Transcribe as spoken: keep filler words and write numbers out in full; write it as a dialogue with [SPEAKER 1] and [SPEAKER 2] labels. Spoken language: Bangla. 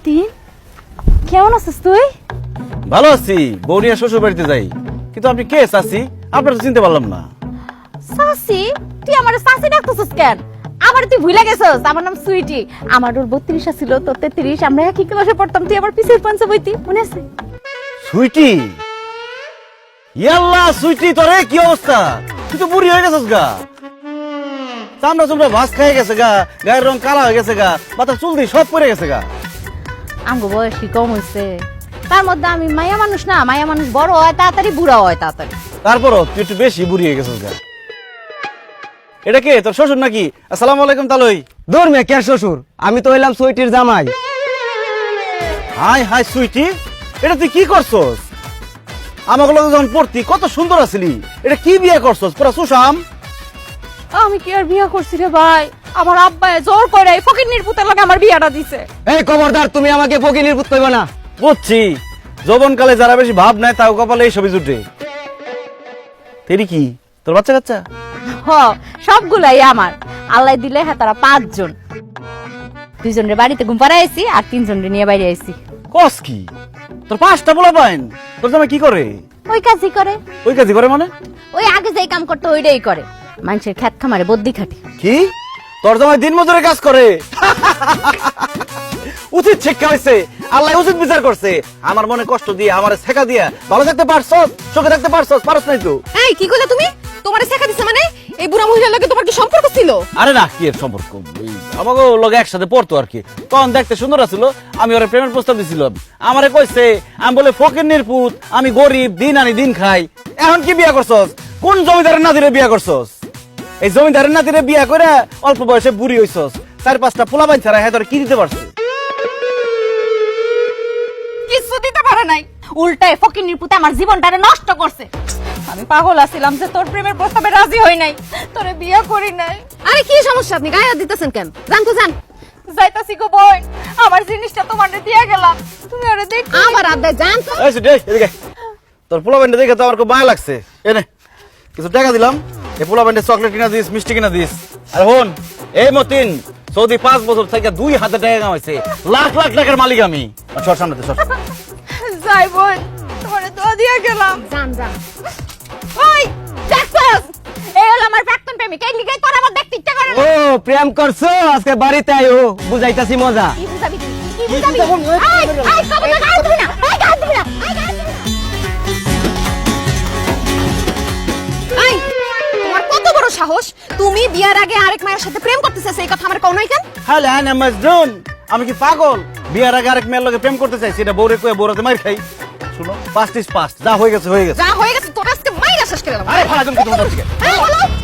[SPEAKER 1] মতিন কেমন আছিস তুই?
[SPEAKER 2] ভালো আছি, বৌরিয়া শ্বশুর বাড়িতে যাই। কিন্তু আপনি কে চাচি? আপনার তো চিনতে পারলাম না।
[SPEAKER 1] সাসি? তুই আমার সাসি ডাকতেছিস কেন? আমার তুই ভুলে গেছিস, আমার নাম সুইটি। আমার ওর বত্রিশ ছিল, তোর তেত্রিশ। আমরা একই ক্লাসে পড়তাম, তুই আমার পিছের পাঞ্চে বইতি, মনে আছে?
[SPEAKER 2] সুইটি? ইয়াল্লা সুইটি, তোরে কি অবস্থা? তুই তো বুড়ি হয়ে গেছিস গা। চামড়া চুমড়া ভাস খেয়ে গেছে গা, গায়ের রং কালা হয়ে গেছে গা, মাথার চুল দিয়ে সব পড়ে গেছে গা।
[SPEAKER 1] আমগো বয়স কি কম হয়েছে? তার মধ্যে আমি মায়া মানুষ না, মায়া মানুষ বড় হয় তাড়াতাড়ি, বুড়া হয় তাড়াতাড়ি।
[SPEAKER 2] তারপরও তুই একটু বেশি বুড়ি হয়ে গেছিস গা। এটা কে, তোর শ্বশুর নাকি? আসসালামু আলাইকুম তালই।
[SPEAKER 3] দূর মে কে শ্বশুর? আমি তো হইলাম সুইটির জামাই।
[SPEAKER 2] হাই হাই সুইটি, এটা তুই কি করছস? আমাকে লগে যখন পড়তি কত সুন্দর আছিলি, এটা কি বিয়ে করছস? পুরা সুশাম।
[SPEAKER 1] আমি কি আর বিয়ে করছি রে ভাই? আমার আব্বা জোর করে এই ফকিন্নির পুতের লাগে আমার বিয়েটা দিছে।
[SPEAKER 3] এই খবরদার, তুমি আমাকে ফকিনির পুত কইবা না।
[SPEAKER 2] বুঝছি, যৌবনকালে যারা বেশি ভাব নেয় তাও কপালে এই ছবি জুটে। তেরি কি তোর বাচ্চা কাচ্চা?
[SPEAKER 1] হ, সবগুলাই আমার। আল্লাহ দিলে হ্যাঁ তারা পাঁচজন। দুইজনের বাড়িতে ঘুম পাড়াইছি আর তিনজনের নিয়ে বাইরে আইছি।
[SPEAKER 2] কস কি? তোর পাঁচটা পোলা পাইন? তোর জামাই কি করে?
[SPEAKER 1] ওই কাজই করে।
[SPEAKER 2] ওই কাজই করে মানে?
[SPEAKER 1] ওই আগে যেই কাম করতো ওইটাই করে। মানুষের খেত খামারে বদ্যি খাটি।
[SPEAKER 2] কি? তোর জামাই দিন মজুরের কাজ করে? উচিত শিক্ষা হয়েছে, আল্লাহ উচিত বিচার করছে। আমার মনে কষ্ট দিয়ে, আমার শেখা দিয়া ভালো থাকতে পারছস, সুখে থাকতে পারছস, পারছ নাই তো?
[SPEAKER 4] এই কি কইলা তুমি? তোমারে শেখা দিছে মানে? এই বুড়া মহিলার লগে তোমার কি সম্পর্ক ছিল?
[SPEAKER 2] আরে না, কি এর সম্পর্ক? এই আমাকে লগে একসাথে পড়তো আর কি। তখন দেখতে সুন্দর আছিল, আমি ওরে প্রেমের প্রস্তাব দিছিলাম। আমারে কইছে আমি বলে ফকিন্নির পুত, আমি গরিব, দিন আনি দিন খাই। এখন কি বিয়া করছস? কোন জমিদারের নাতিরে বিয়া করছস? এই জমিদারের নাতিরে বিয়া করে অল্প বয়সে বুড়ি হইছস। চার পাঁচটা পোলা বাইন ছাড়া হ্যাঁ তোর কি দিতে পারছে?
[SPEAKER 1] কিছু দিতে পারে নাই, উল্টায় ফকিন্নির পুতে আমার জীবনটারে নষ্ট করছে। আমি পাগল আছিলাম যে তোর প্রেমের প্রস্তাবে রাজি হই নাই, তোরে বিয়ে করি নাই।
[SPEAKER 4] আরে কি সমস্যা, আপনি গায়ে হাত দিতেছেন কেন? জান তো জান।
[SPEAKER 1] যাইতাছি গো বোন, আমার জিনিসটা তোমারে দিয়া গেলাম, তুমি ওরে দেখ।
[SPEAKER 4] আমার আব্বা জান তো।
[SPEAKER 2] এই সুইটি, এদিকে। তোর পোলা বাইনটা দেখে তো আমার খুব মায়া লাগছে। এনে কিছু টাকা দিলাম, এই পোলা বাইনটা চকলেট কিনা দিস, মিষ্টি কিনা দিস। আর হন, এই মতিন সৌদি পাঁচ বছর থেকে দুই হাজার টাকা কামাইছে, লাখ লাখ টাকার মালিক আমি। সর সামনে সর।
[SPEAKER 1] যাই বোন, তোমারে দোয়া দিয়া গেলাম।
[SPEAKER 4] জান জান।
[SPEAKER 1] ওই দেখছস, এই হলো আমার প্রাক্তন প্রেমিক। এই লিগে তোর আমার দেখতে ইচ্ছা করে না।
[SPEAKER 3] ও প্রেম করছো? আজকে বাড়িতে আইও, বুঝাইতাছি মজা।
[SPEAKER 1] কি বুঝাবি তুই? কি বুঝাবি? আই আই কবে না গায়ে দিবি না, আই গায়ে দিবি না, আই গায়ে দিবি না।
[SPEAKER 4] এই তোমার কত বড় সাহস? তুমি বিয়ার আগে আরেক মায়ের সাথে প্রেম করতেছিস, এই কথা আমার কোন নাই কেন?
[SPEAKER 2] হ্যালো আনা মাজনুন, আমি কি পাগল? বিয়ার আগে আরেক মেয়ের লগে প্রেম করতে চাইছি, এটা বউরে কয়ে বউরাতে মার খাই। শুনো, পাস্ট ইজ পাস্ট, যা হয়ে গেছে হয়ে গেছে।
[SPEAKER 4] যা হয়ে গেছে তোর আজকে মাইরা শেষ করে দিলাম।
[SPEAKER 2] আরে ফালা তুমি কি তোমার থেকে?
[SPEAKER 4] এই বলো